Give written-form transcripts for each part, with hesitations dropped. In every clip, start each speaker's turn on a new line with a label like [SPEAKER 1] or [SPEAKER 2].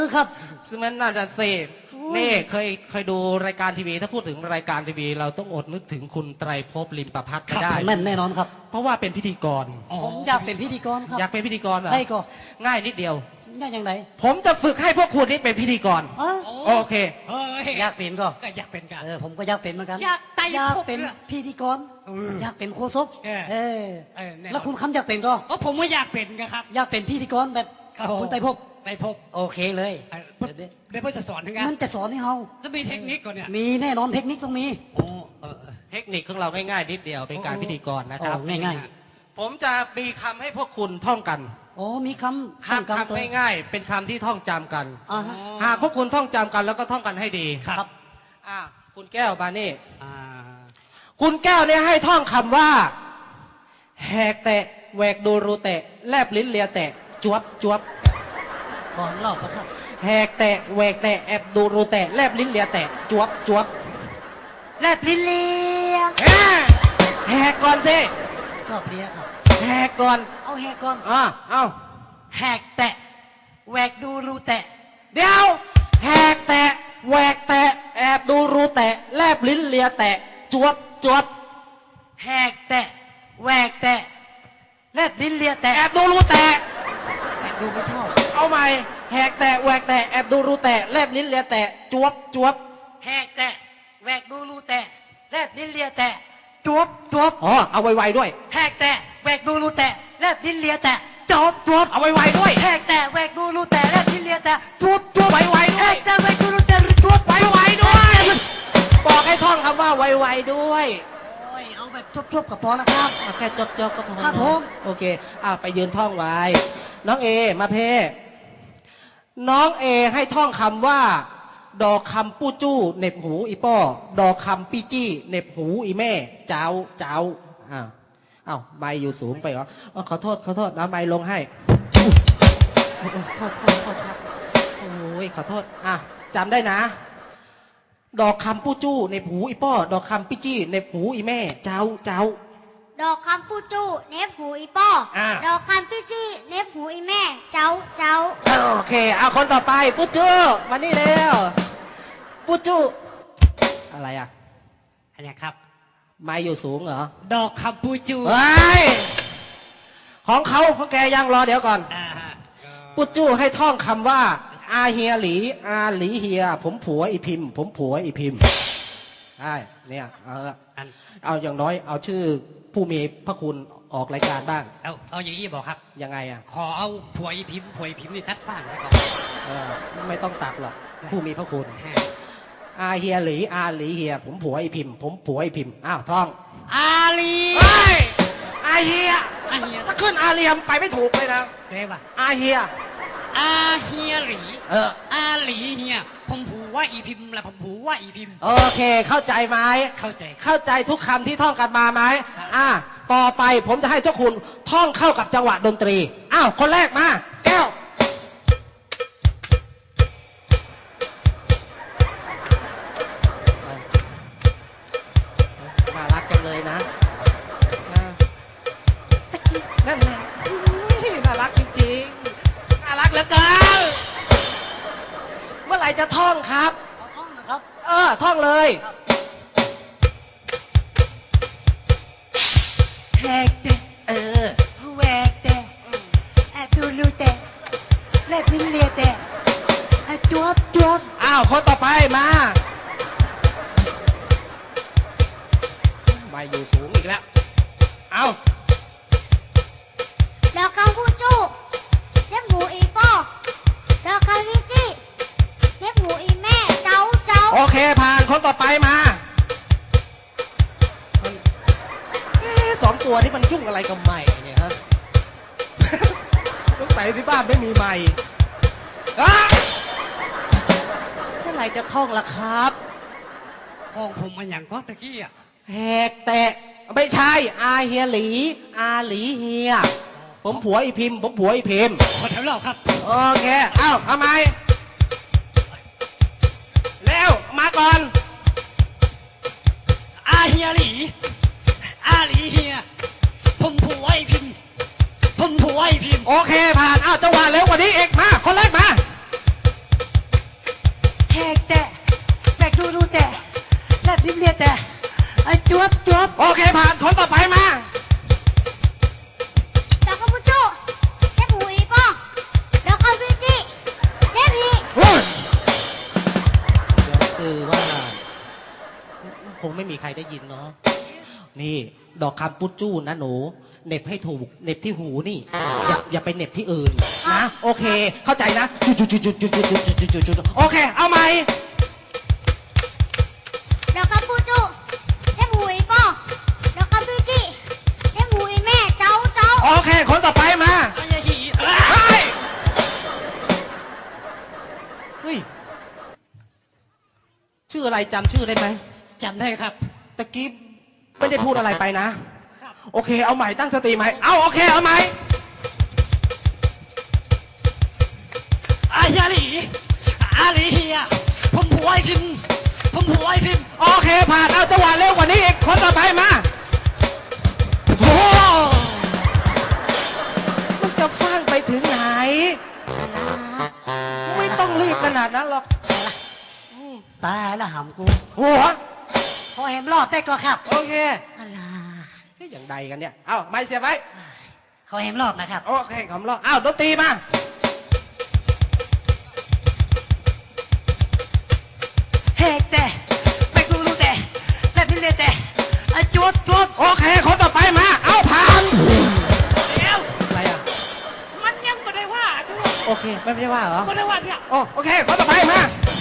[SPEAKER 1] ครับ
[SPEAKER 2] ซึ่งมันน่าจะเสพนี่เคยดูรายการทีวีถ้าพูดถึงรายการทีวีเราต้องอดนึกถึงคุณไตรภพลิมประพัฒน์ไม่ได้
[SPEAKER 1] แน่นอนครับ
[SPEAKER 2] เพราะว่าเป็นพิธีกร
[SPEAKER 1] ผมอยากเป็นพิธีกรครับ
[SPEAKER 2] อยากเป็นพิธีกรเหรอ
[SPEAKER 1] ได้ก็
[SPEAKER 2] ง่ายนิดเดียว
[SPEAKER 1] ง่ายอย่างไร
[SPEAKER 2] ผมจะฝึกให้พวกคุณนี่เป็นพิธีกรโอเค
[SPEAKER 1] อยากเป็นก็
[SPEAKER 3] อยากเป็นกัน
[SPEAKER 1] ผมก็อยากเป็นเหมือนกัน
[SPEAKER 3] อยาก
[SPEAKER 1] เป็นพิธีกรอยากเป็นโฆษกแล้วคุณคำอยากเป็นก็
[SPEAKER 3] ผมก็อยากเป็นครับ
[SPEAKER 1] อยากเป็นพิธีกรแบบคุณไตรภพโอเคเลย
[SPEAKER 3] เดี๋ยวเพื่อจะสอนทั้งนั้น
[SPEAKER 1] มันจะสอนให้เรา
[SPEAKER 3] แล้วมีเทคนิคก่อนเนี่ย
[SPEAKER 1] มีแน่นอนเทคนิคต้องมี
[SPEAKER 2] เทคนิคของเราง่ายๆนิดเดียวเป็นการพิธีกรนะครับ
[SPEAKER 1] ง่าย
[SPEAKER 2] ๆผมจะมีคำให้พวกคุณท่องกัน
[SPEAKER 1] มีค
[SPEAKER 2] ำง่ายๆเป็นคำที่ท่องจำกันหากพวกคุณท่องจำกันแล้วก็ท่องกันให้ดี
[SPEAKER 1] ครับ
[SPEAKER 2] คุณแก้วบานี่คุณแก้วเนี่ยให้ท่องคำว่าแหกแตะแหวกดูรูแตะแลบลิ้นเลียแตะจวบจวบ
[SPEAKER 1] ก่อนเล่าครับ
[SPEAKER 2] แหกแตะแหวกแตะแอบดูรูแตะแลบลิ้นเลียแตะจวบจวบ
[SPEAKER 1] แลบลิ้นเลีย
[SPEAKER 2] แหกก่อนสิ
[SPEAKER 1] ชอบเลียครับ
[SPEAKER 2] แหกก่อน
[SPEAKER 1] เอาแหกก่อน
[SPEAKER 2] เอา
[SPEAKER 1] แหกแตะแหวกดูรูแตะ
[SPEAKER 2] เดี๋ยวแหกแตะแหวกแตะแอบดูรูแตะแลบลิ้นเลียแตะจวบจวบ
[SPEAKER 1] แหกแตะแหวกแตะแลบลิ้นเลียแตะ
[SPEAKER 2] แอบดูรูแตะ
[SPEAKER 1] แอบดูไม่ชอบ
[SPEAKER 2] เอาใหม่แหกแตะแหวกแตะแอบดูรูแตะแลบลิ้นเลียแตะจวบจวบ
[SPEAKER 1] แหกแตะแหวกดูรูแตะแลบลิ้นเลียแตะจวบจวบ
[SPEAKER 2] เอาไวๆด้วย
[SPEAKER 1] แหกแตะแหวกดูรูแตะแลบลิ้นเลียแตะจวบจวบ
[SPEAKER 2] เอาไวๆด้วย
[SPEAKER 1] แหกแตะแหวกดูรูแตะแลบลิ้นเลียแตะจวบจวบ
[SPEAKER 2] ไวๆด้วย
[SPEAKER 1] แหกแตะแหวกดูรูแตะจวบ
[SPEAKER 2] ไวๆด้วยบอกให้ท่องคำว่าไวๆด้วย
[SPEAKER 1] เอาแบบจบๆกับพอนะครับ
[SPEAKER 2] แค่จบๆก็พอ
[SPEAKER 1] ครับผม
[SPEAKER 2] โอเคไปยืนท่องไว้น้องเอมาเพ่น้องเอให้ท่องคำว่าดอกคำปู้จู้เน็บหูอีป้อดอกคำปี้จี้เน็บหูอีแม่เจ้าไม้อยู่สูงไปเหรอขอโทษเอาไม้ลงให้โทษครับโอ้ยขอโทษจำได้นะดอกคำปู้จู้เน็บหูอีป้อดอกคำปี้จี้เน็บหูอีแม่เจ้า
[SPEAKER 4] ดอกคำปู้จู้เน็บหูอีป้อดอกคำปี้จี้เน็บหูอีแม่เจ้า
[SPEAKER 2] โอเคคนต่อไปปู้จู้มานี่เร็วปู้จู้อะไร
[SPEAKER 3] อันนี้ครับ
[SPEAKER 2] ไม้อยู่สูงเหรอ
[SPEAKER 3] ดอกคำปู้จู้
[SPEAKER 2] ของแกยังรอเดี๋ยวก่อนปู้จู้ให้ท่องคำว่าอาเฮียหลีเฮียผมผัวอีพิมใช่เนี่ยเอาอย่างน้อยเอาชื่อผู้มีพระคุณออกรายการบ้าง
[SPEAKER 3] เอาอย่างนี้บอกครับ
[SPEAKER 2] ยังไง
[SPEAKER 3] ขอเอาผัวอีพิมนี่ทัดบ้างนะครับ
[SPEAKER 2] ไม่ต้องตัดหรอกผู้มีพระคุณอาเฮียหลีเฮียผมผัวอีพิมท่อง
[SPEAKER 3] อาลี
[SPEAKER 2] อาเฮียถ้าขึ้นอาเลียมไปไม่ถูกเลยนะ
[SPEAKER 3] ได้ป่ะ
[SPEAKER 2] อาเฮีย
[SPEAKER 3] หลีอาหลีเฮียผมผัวอีพิมและผมผัวอีพิม
[SPEAKER 2] โอเคเข้าใจไหม
[SPEAKER 3] เข้
[SPEAKER 2] าใจทุกคำที่ท่องกันมาไหมต่อไปผมจะให้เจ้าคุณท่องเข้ากับจังหวะดนตรีคนแรกมาแก้วน่ารักจังเลยนะนั่นแหละน่ารักจริงๆน่ารักเหลือเกินเมื่อไหร่จะท่องครับ
[SPEAKER 1] ท่องนะครับ
[SPEAKER 2] ท่องเลย
[SPEAKER 1] แหกแตะแหวกแตะแอบดูรูแตะแลบลิ้นเลียแตะจวบ
[SPEAKER 2] คนต่อไปมาไม่อยู่สูงอีกแล้ว
[SPEAKER 4] ดอกคำปู้จู้เน็บหูอีป้อดอกคำปี้จี้เน็บหูอีแม่เจ้า
[SPEAKER 2] โอเคผ่านคนต่อไปมาสองตัวนี้มันยุ่งอะไรกับใหม่เนี่ยฮะต้องใส่ที่บ้านไม่มีใหม่เมื่อไหร่จะท่องล่ะครับ
[SPEAKER 3] ห้องผมมันอย่างก็ตะกี้
[SPEAKER 2] แหกแตะไม่ใช่อาเฮียหลีเฮียผมผัวอีพิม
[SPEAKER 3] ขอแถวเราครับ
[SPEAKER 2] โอเคทำไมแล้วมาก่อน
[SPEAKER 3] อาเฮียหลีเฮียผมผัวอีพิมโอเค
[SPEAKER 2] ผ่านจังหวะเร็วกว่านี้อีกมาคนแรกมาผ่านคนต่อไปมา
[SPEAKER 4] ดอกคำพูจูเทพหูอีปอดอกคำวิจิเทพฮี
[SPEAKER 2] เฮ้ยเดี๋ยวคือว่าคงไม่มีใครได้ยินเนาะนี่ดอกคำปุจจู้นะหนูเหน็บให้ถูกเหน็บที่หูนี่อย่าไปเหน็บที่อื่นนะโอเค เข้าใจนะจุดโอเค เอาไหม
[SPEAKER 4] ดอกคำพูจูเทพหูอีปอดอกคำวิจิเทพหูอีแม่เจ้า
[SPEAKER 2] โอเค คนต่อไปมา
[SPEAKER 3] อาเฮียหลี
[SPEAKER 2] เฮ้ยชื่ออะไรจำชื่อได้ไหม
[SPEAKER 3] จำได้ครับ
[SPEAKER 2] ตะกี้ไม่ได้พูดอะไรไปนะ โอเค เอาใหม่ตั้งสติใหม่เอาโอเค เอาใหม่
[SPEAKER 3] อาเฮียหลีอาหลีเฮียผมผัวไอพิมผมผัวไอพิม
[SPEAKER 2] โอเคผ่านเอาจังหวะเร็วกว่านี้อีกคนต่อไปมาโอ้มันจะฟังไปถึงไหน ไม่ต้องรีบขนาดนั้นหรอก
[SPEAKER 1] ตายแล้วหำกู
[SPEAKER 2] หัว
[SPEAKER 1] พอเห็นรอบได้ก็ครับ
[SPEAKER 2] โอเค
[SPEAKER 1] อะไร
[SPEAKER 2] เฮ้ยอย่างใดกันเนี่ยเอาไม่เสียบไว้
[SPEAKER 1] เขาเห็นรอบนะครับ
[SPEAKER 2] โอเคขำรอบอ้าวดนตรีมา
[SPEAKER 1] เฮกแต่ไปกูรู้แต่และพี่เล่แต่จุด
[SPEAKER 2] โอเคคนต่อไปมาเอาผ่าน
[SPEAKER 3] เดี๋ยว
[SPEAKER 2] อะไรอ่ะ
[SPEAKER 3] มันยังไม่ได้ว่าดู
[SPEAKER 2] โอเคไม่ได้ว่าเหรอ
[SPEAKER 3] ไม่ได้ว่าเนี่ย
[SPEAKER 2] โอเคคนต่อไปมา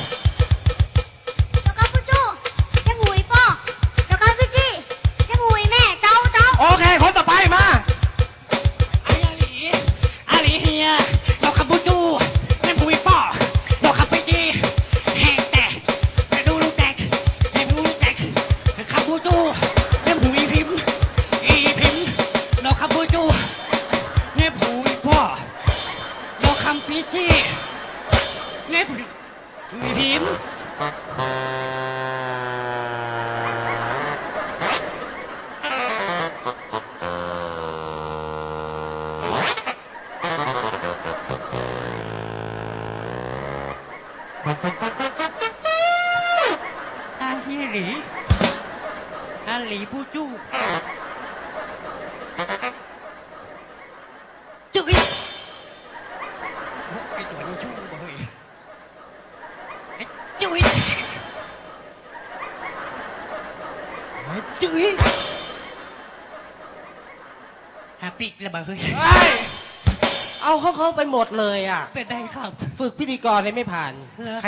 [SPEAKER 4] ดอกคำพูจูเทพหูอีปอดอกคำวิจิเทพหูอีแม่เจ้า
[SPEAKER 2] โอเคคนต่อไปมา
[SPEAKER 3] อาเฮียหลีอาหลีเฮียดอกคำพูจูเล่นบุยป่อดอกคำไปจีแหกแตกแต่ดูลูกแตกให้ดูลูกแตกคำพูจูเล่นบุยพิมดอกคำพูจูเล่นบุยป่อดอกคำปีจีเล่นบุยพิม อาเฮียหลีอาหลีปูจู้จุ๊ยไอตัวนี้ชู้บ่เฮ้ยไอ้จุ๊ยไอ้จุ๊ยฮาปิกแล้วบ่เฮ้ย
[SPEAKER 2] เอาเขาไปหมดเลยอ่ะ
[SPEAKER 3] เป็นได้ครับ
[SPEAKER 2] ฝึกพิธีกรเลยไม่ผ่าน